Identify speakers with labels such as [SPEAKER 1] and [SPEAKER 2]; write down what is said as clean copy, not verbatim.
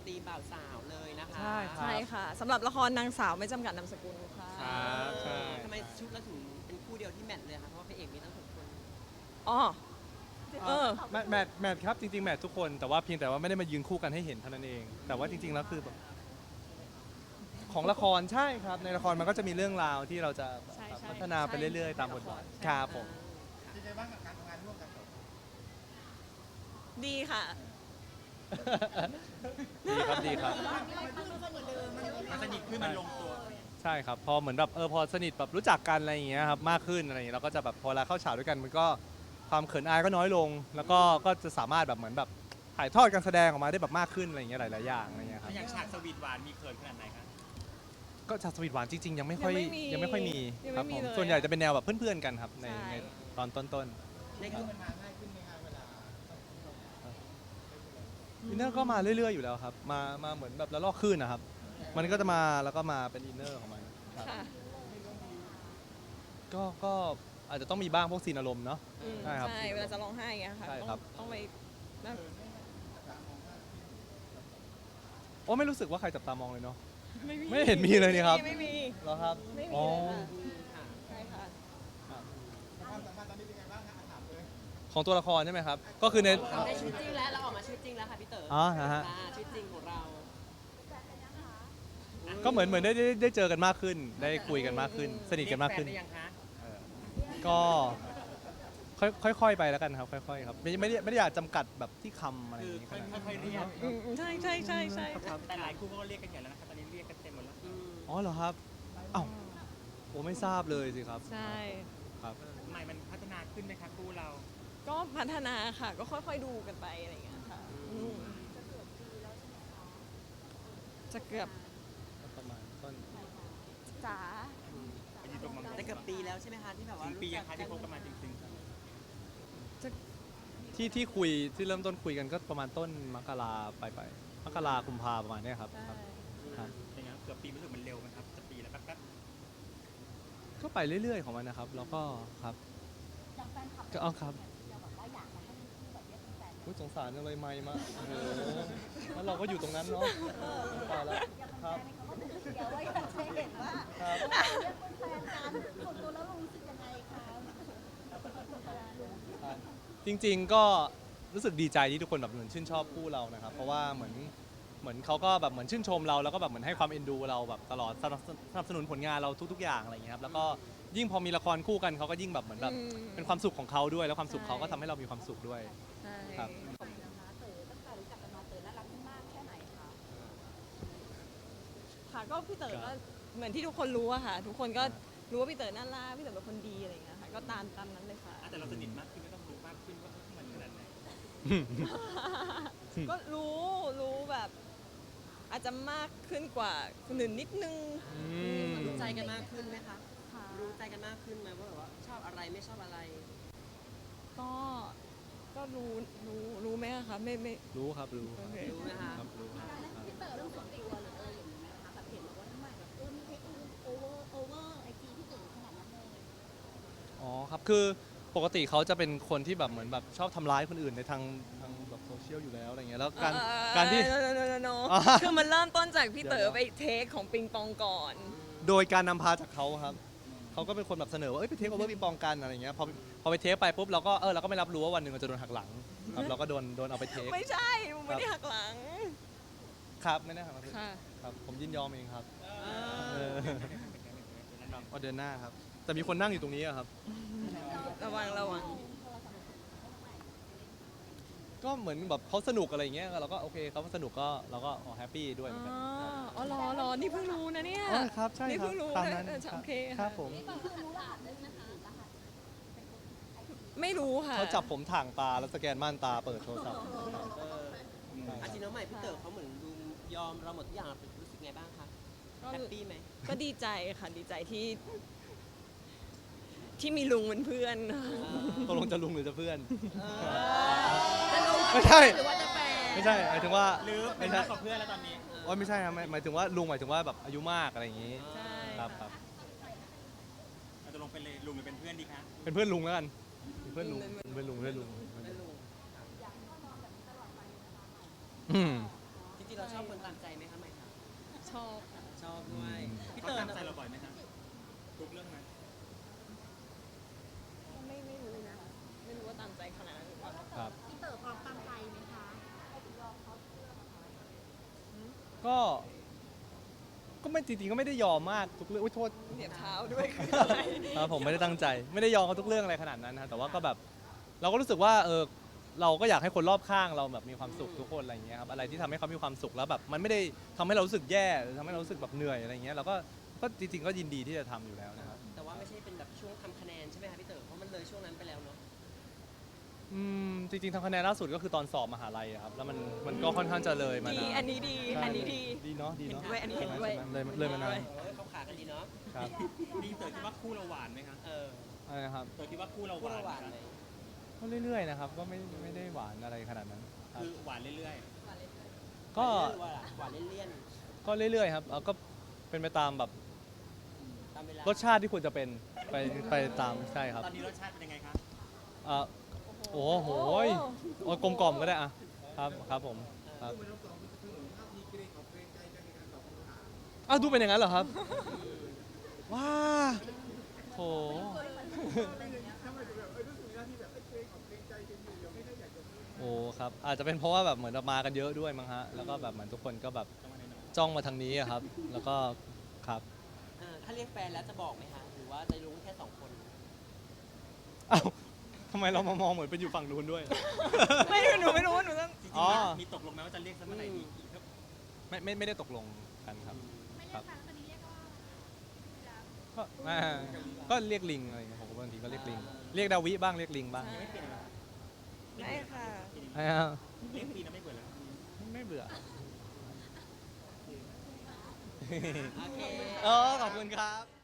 [SPEAKER 1] ตีมบ่าวสาวเลยนะคะ
[SPEAKER 2] ใช่ครับ
[SPEAKER 3] ใช่ค่ะสำหรับละครนางสาวไม่จำกัดนามสกุลค่ะ
[SPEAKER 2] ครับใช่
[SPEAKER 1] ทำไมชุดเราถึงเป็นคู่เดียวที่แมทเลยคะเพราะว่าพระเอกมีตั้ง6 คน
[SPEAKER 3] อ๋อเออ
[SPEAKER 2] แมทครับจริงๆแมททุกคนแต่ว่าเพียงแต่ว่าไม่ได้มายืนคู่กันให้เห็นเท่านั้นเอง แต่ว่าจริงๆแล้วคือแบบของละครใช่ครับในละครมันก็จะมีเรื่องราวที่เราจะ
[SPEAKER 3] ใช่ใช่
[SPEAKER 2] พัฒนาไปเรื่อยๆตามบทบาทครับผม
[SPEAKER 4] เป็นไงบ้างกับการทำงานร่วมกันต่อ
[SPEAKER 3] ดีค่ะ
[SPEAKER 2] ดีครับดีครับ
[SPEAKER 4] มันสนิทขึ้นมันลงตัว
[SPEAKER 2] ใช่ครับพอเหมือนแบบพอสนิทแบบรู้จักกันอะไรอย่างเงี้ยครับมากขึ้นอะไรอย่างเงี้ยเราก็จะแบบพอเวลาเข้าฉากด้วยกันมันก็ความเขินอายก็น้อยลง แล้วก็จะสามารถแบบเหมือนแบบถ่ายทอดการแสดงออกมาได้แบบมากขึ้นอะไรอย่างเงี้ยหลายๆอย่างอะไรอย่างเงี้ยครับ
[SPEAKER 4] อย่างฉากสวีทหวานมีเขินขนาดไหนครับ
[SPEAKER 2] ก็ฉากสวีทหวานจริงๆยังไม่ค่อย
[SPEAKER 3] ยังไม่ค่อยมี
[SPEAKER 2] ครับผม
[SPEAKER 3] เลย
[SPEAKER 2] ส่วนใหญ่จะเป็นแนวแบบเพื่อนๆกันครับใน
[SPEAKER 3] ใช่
[SPEAKER 2] ในตอนต้น
[SPEAKER 1] ในกลุ่ม
[SPEAKER 4] มันมาง่ายขึ้นไหมครับเวลา
[SPEAKER 2] ๆอินเนอร์ก็มาเรื่อยๆอยู่แล้วครับมาเหมือนแบบละลอกคลื่นนะครับ มันก็จะมาแล้วก็มาเป็นอินเนอร์ของมันครับ
[SPEAKER 3] ค่ะ
[SPEAKER 2] ก็อาจจะต้องมีบ้างพวกซีนอารมณ์เนาะ
[SPEAKER 3] อืม
[SPEAKER 2] ใช่ครับ
[SPEAKER 3] ใช่เวลาจะร้องไห้อย่างเงี้ยค่ะ
[SPEAKER 2] ใช่ครับ
[SPEAKER 3] ต้องไปนั่น
[SPEAKER 2] โอ้ไม่รู้สึกว่าใครจับตามองเลยเนาะ
[SPEAKER 3] ไม่มี
[SPEAKER 2] ไม่เห็นมีเลยนี่ครับ
[SPEAKER 3] ไม่มี
[SPEAKER 2] เหรอครับ
[SPEAKER 3] ไม่มี
[SPEAKER 2] อ๋อ
[SPEAKER 3] เลยค่ะ
[SPEAKER 1] ค่ะ
[SPEAKER 3] ใช่ค่ะ
[SPEAKER 4] ความสัมพันธ์ตอนนี้เป็นไงบ้างครับถามเลย
[SPEAKER 2] ของตัวละครใช่ไหมครับ ก็คือใน
[SPEAKER 1] ในชีวิตจริงแล้วเราออกมาชีวิตจริงแล้วค่ะพี่เต๋อ
[SPEAKER 2] อ๋อฮะ
[SPEAKER 1] ชีวิตจริงของเรา
[SPEAKER 2] ก็เหมือนได้เจอกันมากขึ้น ได้คุยกันมากขึ้น สนิทกันมากขึ้น
[SPEAKER 4] เรียแฟได้ยังคะ
[SPEAKER 2] ก็ค่อยๆไปแล้วกันครับ ค่อยๆครับไม่ได้อยากจำกัดแบบที่คำอะไรอ
[SPEAKER 4] คื
[SPEAKER 2] ย่า
[SPEAKER 4] อง
[SPEAKER 2] นี้ขนาดนั้น
[SPEAKER 4] ค่อยๆเรียก
[SPEAKER 3] อืมใช่ใช่ใช่ใช่
[SPEAKER 4] แต่หลายคู่ก็เรียกกันใหญ่แล้วนะครับตอนนี้เรียกกันเต็มหมดแล้ว
[SPEAKER 2] อ๋อเหรอครับอ้าวโอ้ไม่ทราบเลยสิครับ
[SPEAKER 3] ใช่
[SPEAKER 2] ครับ
[SPEAKER 4] ใหม่มันพัฒนาขึ้นไหมครับคู่เรา
[SPEAKER 3] ก็พัฒนาค่ะ ก็ค่อยๆดูกันไปอะไรอย่างเงี้ยค่ะอืมจะเกือบ
[SPEAKER 2] ประมาณต้น
[SPEAKER 3] จ๋า
[SPEAKER 4] ไปยืนตรงมังกร
[SPEAKER 1] แต่เกือบปีแล้วใช่ไหมคะที่แบบว่า
[SPEAKER 4] ถึงปี
[SPEAKER 1] รู้จั
[SPEAKER 4] อะคะที่คบกันมาจริง
[SPEAKER 2] ที่คุยที่เริ่มต้นคุยกันก็ประมาณต้นมกราไปมกรากุมภาประมาณเนี้ยครับ
[SPEAKER 3] ใช่
[SPEAKER 2] ครับ
[SPEAKER 4] ๆอย่างเงี้ยเกือบปีรู้สึกมันเร็วไหมครับจะปีแล้วแป๊บ
[SPEAKER 2] ก็ไปเรื่อยๆของมันนะครับ แล้วก็ครับก็เอาครับอุ๊ยสงสารจังเลยไม่มาโอ้โหแล้วเราก็อยู่ตรงนั้นเนาะตายแล้วครับ
[SPEAKER 5] เดี๋ยวว่าอยากจะเห็นว่า
[SPEAKER 2] ครับ
[SPEAKER 5] เรื่องเป็นแฟนกันส่วนตัวแล้วรู้สึกยังไงคะ
[SPEAKER 2] จริงๆก็รู้สึกดีใจที่ทุกคนแบบเหมือนชื่นชอบคู่เรานะครับ เพราะว่าเหมือนเขาก็แบบเหมือนชื่นชมเราแล้วก็แบบเหมือนให้ความเอ็นดูเราแบบตลอดสนับสนุนผลงานเราทุกๆอย่างอะไรอย่างเงี้ยครับแล้วก็ยิ่งพอมีละครคู่กันเขาก็ยิ่งแบบเหมือนแบบเป็นความสุขของเขาด้วย แล้วความสุขเขาก็ทำให้เรามีความสุขด้วย
[SPEAKER 3] ใช่
[SPEAKER 2] ครับ
[SPEAKER 5] นะคะเต๋อตั้งแต่รู้จักกันมาเต๋อน่ารักมากแค่ไหนคะ
[SPEAKER 3] ค่ะก็พี่เต๋อก็เหมือนที่ทุกคนรู้อะค่ะ ทุกคนก็รู้ว่าพี่เต๋อน่ารักพี่เต๋อเป็นคนดีอะไรอย่างเงี้ยค่ะก็ตามนั้นเลยค่ะ
[SPEAKER 4] ๆแต่เราสนิทมากขึ้นก็ต้องรู้มากขึ้นว่ามันขนาดไหน
[SPEAKER 3] ก็รู้แบบ อาจจะมากขึ้นกว่าคนอื่นนิดนึง
[SPEAKER 1] รู้ใจกันมากขึ้นไหมคะ
[SPEAKER 3] ค่ะ
[SPEAKER 1] รู้ใจกันมากขึ้นไหมว่าแบบว่าชอบอะไรไม่ชอบอะไร
[SPEAKER 3] ก็รู้ไหมอะคะไม่
[SPEAKER 2] รู้ครับรู้
[SPEAKER 3] โอเค
[SPEAKER 1] รู้นะคะ
[SPEAKER 2] ครับรู้ครับ
[SPEAKER 5] พี่เต๋อเรื่องส่วนตัวหรืออะไรอย่างนี้ไหมคะแบบเห็นบอกว่าทำไมแบบมีเทคโอเวอร์ไอจีพี่เต๋อขนาดนั้นเลย
[SPEAKER 2] อ๋อครับคือปกติเขาจะเป็นคนที่แบบเหมือนแบบชอบทำร้ายคนอื่นในทางแบบโซเชียลอยู่แล้วอะไรเงี้ยแล้วการที่
[SPEAKER 3] โน
[SPEAKER 2] อ๋อ
[SPEAKER 3] คือมันเริ่มต้นจากพี่เต๋
[SPEAKER 2] เดี๋
[SPEAKER 3] อ
[SPEAKER 2] ยว
[SPEAKER 3] ไปเทคของปิงปองก่อน
[SPEAKER 2] โดยการนำพาจากเขาครับเขาก็เป็นคนแบบเสนอว่าไปเทคโอเวอร์ปิงปองกันอะไรเงี้ยพอไปเทคไปปุ๊บเราก็ไม่รับรู้ว่าวันหนึ่งเราจะโดนหักหลังครับเราก็โดนเอาไปเทค
[SPEAKER 3] ไม่ใช่มันไม่ได้หักหลัง
[SPEAKER 2] ครับไม่ได้หักหลัง
[SPEAKER 3] ค่ะ
[SPEAKER 2] ครับผมยินยอมเองครับ
[SPEAKER 1] เออ
[SPEAKER 2] ว่าเดือนหน้าครับแต่มีคนนั่งอยู่ตรงนี้อะครับ
[SPEAKER 3] ระวัง
[SPEAKER 2] ก็เหมือนแบบเขาสนุกอะไรเงี้ยเราก็โอเคเขาสนุกก็เราก็แฮปปี้ด้วยเหมือนกัน
[SPEAKER 3] อ๋อรอนี่เพิ่งรู้นะเนี่ย
[SPEAKER 2] อ๋อครับใช่
[SPEAKER 3] นี่
[SPEAKER 2] ครับ
[SPEAKER 3] เพิ่งรู้
[SPEAKER 2] ตาม
[SPEAKER 3] นะ
[SPEAKER 2] นั้น
[SPEAKER 3] โอเค
[SPEAKER 2] ครั
[SPEAKER 3] ค่ะ
[SPEAKER 2] บผม
[SPEAKER 3] ไม่รู้ค่ะ
[SPEAKER 2] เขาจับผมถ่างตาแล้วสแกนม่านตาเปิดโทรศัพท์
[SPEAKER 1] อาจริงน้องใหม่พี่เต๋อเขาเหมือนดูยอมเราหมดทุกอย่างรู้สึกไงบ้างคะ
[SPEAKER 3] ก็
[SPEAKER 1] แฮปปี้ไหม
[SPEAKER 3] ก็ดีใจค่ะดีใจที่มีลุงเป็นเพื่อน
[SPEAKER 2] ตกลงจะลุงหรือจะเพื่อน
[SPEAKER 3] จะลุง
[SPEAKER 2] ไม่ใช่
[SPEAKER 3] หรือว่าจะแฟน
[SPEAKER 2] ไม่ใช่หมายถึงว่า
[SPEAKER 4] หรือเป็
[SPEAKER 2] ไม่
[SPEAKER 4] น
[SPEAKER 2] ใช่
[SPEAKER 4] เพื่อนกับเพื่อนแล้วตอนนี้
[SPEAKER 2] โอ้ยไม่ใช่ครับหมายถึงว่าลุงหมายถึงว่าแบบอายุมากอะไรอย่างงี้
[SPEAKER 3] ใช่
[SPEAKER 2] ครับค
[SPEAKER 3] ค่ะ
[SPEAKER 2] รับ
[SPEAKER 4] เราจะลงเป็นเลยลุงหรือเป็นเพื่อนดีคะ
[SPEAKER 2] เป็นเพื่อนลุงแล้วกันเป็นเพื่อนลุงเป็นเพื่อนลุง
[SPEAKER 1] ไม่รู้
[SPEAKER 2] อืม
[SPEAKER 1] จริงๆเราชอบคนตามใจไหมคะใหม่คะ
[SPEAKER 3] ชอบค่ะ
[SPEAKER 1] ชอบด้วยพี่
[SPEAKER 4] เขา
[SPEAKER 1] เต๋อ
[SPEAKER 4] ตามใจเราบ่อยไหมครับทุกเรื่องไหม
[SPEAKER 3] ไม่รู้นะไม่รู้ว่าตามใจขนาดนั้นหรือเปล่า
[SPEAKER 2] ครับ
[SPEAKER 5] พี่เต๋อพร้อมตามใจไหมคะ
[SPEAKER 2] ก็ไม่จริงๆก็ไม่ได้ยอมมากทุกเรื่องอุ้ยโทษ
[SPEAKER 3] เหยียบเท้าด้วยคืออะไร
[SPEAKER 2] ครับผมไม่ได้ตั้งใจ ไม่ได้ยอมเขาทุกเรื่องอะไรขนาดนั้นนะแต่ว่าก็แบบเราก็รู้สึกว่าเราก็อยากให้คนรอบข้างเราแบบมีความสุขทุกคนอะไรอย่างเงี้ยครับอะไรที่ทำให้เขามีความสุขแล้วแบบมันไม่ได้ทำให้เรารู้สึกแย่หรือทำให้เรารู้สึกแบบเหนื่อยอะไรอย่างเงี้ยเราก็จริงๆก็ยินดีที่จะทำอยู่แล้วนะครับ
[SPEAKER 1] แต่ว่าไม่ใช่เป็นแบบช่วงทำคะแนนใช่ไหมคะพี่เต๋อเพราะมันเลยช่วงนั้นไปแล้วเนาะ
[SPEAKER 2] จริงๆทำคะแนนล่าสุดก็คือตอนสอบมหาลัยอะครับแล้วมันก็ค่อนข้างจะเลยมา
[SPEAKER 3] ดี
[SPEAKER 2] นาน
[SPEAKER 3] อันนี้ดี
[SPEAKER 2] ใช่
[SPEAKER 3] อันนี้ดี
[SPEAKER 2] ดีเนาะดีเนาะ
[SPEAKER 3] เห็นด้วยอันนี้เห็นด้วย
[SPEAKER 2] ใช่ไหมเลยมานาน
[SPEAKER 1] เขาขากันดีเนาะ
[SPEAKER 2] ครับ
[SPEAKER 4] พี่เต๋อคิดว่าคู่เราหวานไหมครับ
[SPEAKER 2] อะไรนะครับ
[SPEAKER 4] เต๋อคิดว่าคู่เราห
[SPEAKER 1] พูด
[SPEAKER 4] วาน
[SPEAKER 1] หวาน
[SPEAKER 4] ไหม
[SPEAKER 1] เลย
[SPEAKER 2] ก็เรื่อยๆนะครับก็ไม่ได้หวานอะไรขนาดนั้นครับ
[SPEAKER 4] คือหวานเรื่อย
[SPEAKER 2] ก็
[SPEAKER 1] หวานเลี่ยน
[SPEAKER 2] ก็เรื่อยๆครับก็เป็นไปตามแบบ
[SPEAKER 1] ๆตามเวลาร
[SPEAKER 2] สชาติที่ควรจะเป็นไปตามใช่ครับ
[SPEAKER 4] ๆ ตอนนี้รสชาติเป็นยังไงครับ
[SPEAKER 2] โอ้โหโอ้ยกลมกล่อมก็ได้อะครับผมครับอ้าวดูเป็นอย่างนั้นเหรอครับว้าโหโอ้ครับอาจจะเป็นเพราะว่าแบบเหมือนเรามากันเยอะด้วยมั้งฮะแล้วก็แบบเหมือนทุกคนก็แบบจ้องมาทางนี้อะครับ แล้วก็ครับ
[SPEAKER 1] ถ้าเรียกแฟนแล้วจะบอกไหมคะหรือว่าจะรู้แค่2 คน
[SPEAKER 2] อ้าวทำไมเรามามองเหมือนเป็นอยู่ฝั่งนู้นด้วย
[SPEAKER 3] หนูไม่รู้ว่าหนูต้อง
[SPEAKER 4] จริง
[SPEAKER 2] อ๋อ
[SPEAKER 4] ๆมีตกลงไหมว่าจะเรียกสักเมื่อไหร่ดีครับ
[SPEAKER 2] ไม่ได้ตกลงกันครับ
[SPEAKER 5] ไม่
[SPEAKER 2] ครั
[SPEAKER 5] เรีย
[SPEAKER 2] บ
[SPEAKER 5] กแฟนคนนี้เรียกว่า
[SPEAKER 2] ก็เรียกลิงอะไรอย่างเงี้ยผมก็บางทีก็เรียกลิง เรียกดาวิบ้างเรียกลิงบ้าง
[SPEAKER 3] ใช่
[SPEAKER 4] ไม่เปลี่ยนเลย
[SPEAKER 3] ไม่ค่ะ
[SPEAKER 2] ไม่เอา
[SPEAKER 4] เรียกปีนะไม่เบื่อเลย
[SPEAKER 2] ไม่เบื่อ
[SPEAKER 1] โอเค
[SPEAKER 2] ขอบคุณครับ